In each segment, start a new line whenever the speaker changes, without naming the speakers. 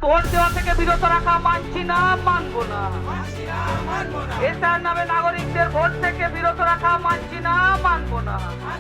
Vote দেওয়া থেকে বিরত রাখা মানছি না, মানবো না। এসআর নামে নাগরিকদের ভোট থেকে বিরত রাখা মানছি না, মানবো না।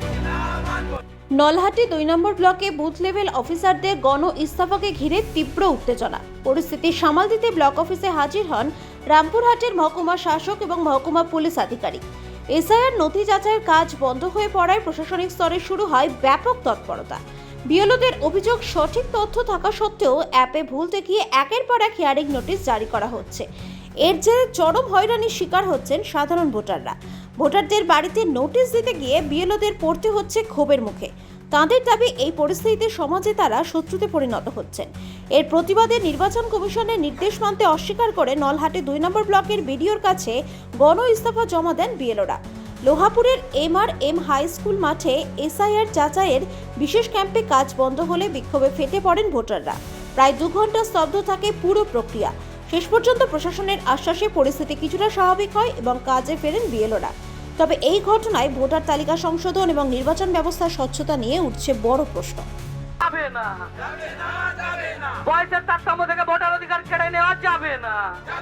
নলহাটি 2 নম্বর ব্লকে বুথ লেভেল অফিসারদের গণ ইস্তফাকে ঘিরে তীব্র উত্তেজনা। পরিস্থিতি সামাল দিতে ব্লক অফিসে হাজির হন রামপুরহাটের মহকুমা শাসক এবং মহকুমা পুলিশ আধিকারিক। এসআইআর নথি যাচাইয়ের কাজ বন্ধ হয়ে পড়ায় প্রশাসনিক স্তরে শুরু হয় ব্যাপক তৎপরতা। বিএলওদের অভিযোগ, সঠিক তথ্য থাকা সত্ত্বেও অ্যাপে ভুল দেখিয়ে একের পর এক হিয়ারিং নোটিশ জারি করা হচ্ছে। এর জেরে চরম হয়রানির শিকার হচ্ছেন সাধারণ ভোটাররা। ভোটারদের বাড়িতে নোটিশ দিতে গিয়ে বিএলওদের পড়তে হচ্ছে ক্ষোভের মুখে। তাঁদের দাবি, এই পরিস্থিতিতে সমাজে তারা শত্রুতে পরিণত হচ্ছেন। এর প্রতিবাদে নির্বাচন কমিশনের নির্দেশ মানতে অস্বীকার করে নলহাটি 2 নম্বর ব্লকের বিডিওর কাছে গণ ইস্তফা জমা দেন বিএলওরা। লোহাপুরের MRM হাই স্কুল মাঠে এসআইআর যাচাইয়ের বিশেষ ক্যাম্পে কাজ বন্ধ হলে বিক্ষোভে ফেটে পড়েন ভোটাররা। প্রায় 2 ঘন্টা স্তব্ধ থাকে পুরো প্রক্রিয়া। শেষ পর্যন্ত প্রশাসনের আশ্বাসে পরিস্থিতি কিছুটা স্বাভাবিক হয় এবং কাজে ফেরেন বিএলওরা। তবে এই ঘটনায় ভোটার তালিকা সংশোধন এবং নির্বাচন ব্যবস্থার স্বচ্ছতা নিয়ে উঠছে বড় প্রশ্ন।
যাবে না, বয়সের তারতম্য থেকে ভোটার অধিকার কেড়ে নেওয়া যাবে না।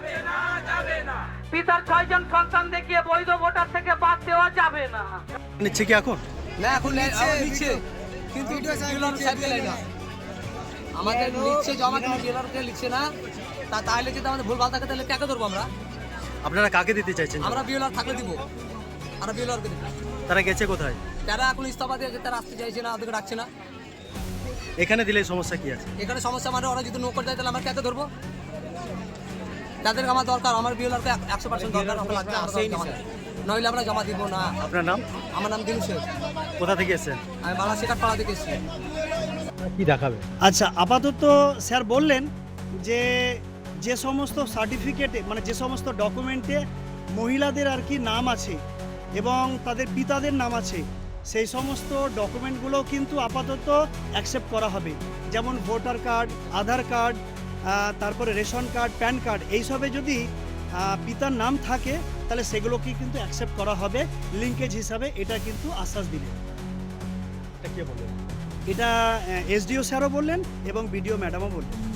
পিতার 6 জন সন্তান দেখিয়ে বৈধ ভোটার থেকে বাদ দেওয়া যাবে না।
নিচ্ছে কি এখন?
না, এখন নিচ্ছে, কিন্তু বিএলআর সাহেবকে নেয় না। আমাদের লিখছে জমা, কিন্তু বিএলআরকে লিখছে না। তাহলে যদি আমাদের ভুলভাল থাকে তাহলে কাকে ধরবো আমরা?
আপনারা কাকে দিতে চাইছেন?
আমরা বিএলআর থাকলে দিব, আমরা বিএলআরকে দিব।
তারা গেছে কোথায়?
যারা এখন ইস্তফা দিয়েছে তারা আসতে চাইছে না, ওদেরকে ডাকছে না।
এখানে দিলে সমস্যা কি আছে?
এখানে সমস্যা মানে ওরা যদি নৌকর যায় তাহলে আমরা কাকে ধরবো? যাদেরকে আমার দরকার, আমার বিএলআরকে 100% দরকার, আমরা লাগবে, নইলে আমরা জমা দিব না।
আপনার নাম?
আমার নাম দিনু শেখ।
কোথা থেকে এসেছেন?
আমি বাংলা শেখার পাড়া থেকে এসেছি।
কি দেখাবে?
আচ্ছা, আপাতত স্যার বললেন যে সমস্ত সার্টিফিকেটে, মানে যে সমস্ত ডকুমেন্টে মহিলাদের আর কি নাম আছে এবং তাদের পিতাদের নাম আছে, সেই সমস্ত ডকুমেন্টগুলো কিন্তু আপাতত অ্যাকসেপ্ট করা হবে। যেমন ভোটার কার্ড, আধার কার্ড, তারপরে রেশন কার্ড, প্যান কার্ড, এইসবে যদি পিতার নাম থাকে তাহলে সেগুলোকে কিন্তু অ্যাকসেপ্ট করা হবে লিঙ্কেজ হিসাবে। এটা কিন্তু আশ্বাস দিলেন।
এটা কে বললেন?
এটা এসডিও স্যারও বললেন এবং বিডিও ম্যাডামও বললেন।